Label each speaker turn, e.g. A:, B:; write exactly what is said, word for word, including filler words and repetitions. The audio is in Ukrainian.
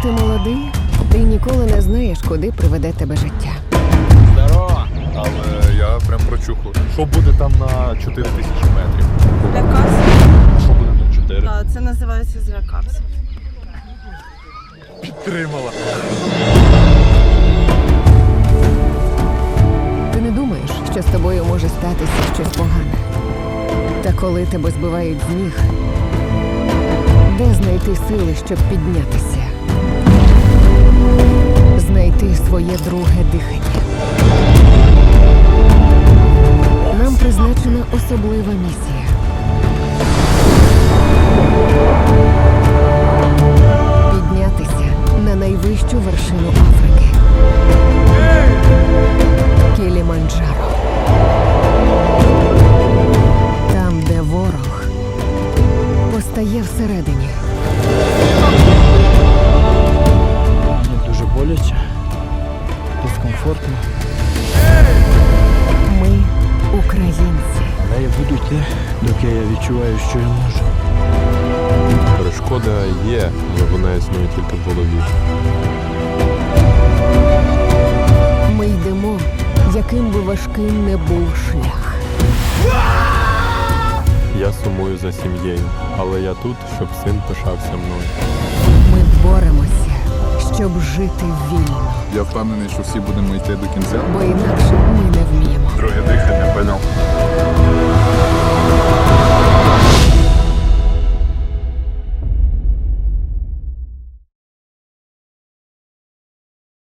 A: ти молодий, ти ніколи не знаєш, куди приведе тебе життя.
B: Здорово! Але я прям прочухав. Що буде там на чотири тисячі метрів?
C: Злякався?
B: А що буде на чотири?
C: Так, це називається злякався.
B: Підтримала.
A: Ти не думаєш, що з тобою може статися щось погане. Та коли тебе збивають з ніг, де знайти сили, щоб піднятися? Знайти своє друге дихання. Нам призначена особлива місія. Піднятися на найвищу вершину Африки. Кіліманджаро. Там, де ворог постає всередині.
D: Мені дуже боляче, дискомфортно,
A: Ми українці.
D: але я буду йти, доки я відчуваю, що я можу.
E: Перешкода є, але вона існує тільки в голові.
A: Ми йдемо, яким би важким не був шлях.
E: Я сумую за сім'єю, але я тут, щоб син пишався мною.
A: Ми боремося, щоб жити вільно,
B: Я впевнений, що всі будемо йти до кінця.
A: бо інакше ми не вміємо.
B: Друге дихання, поняв.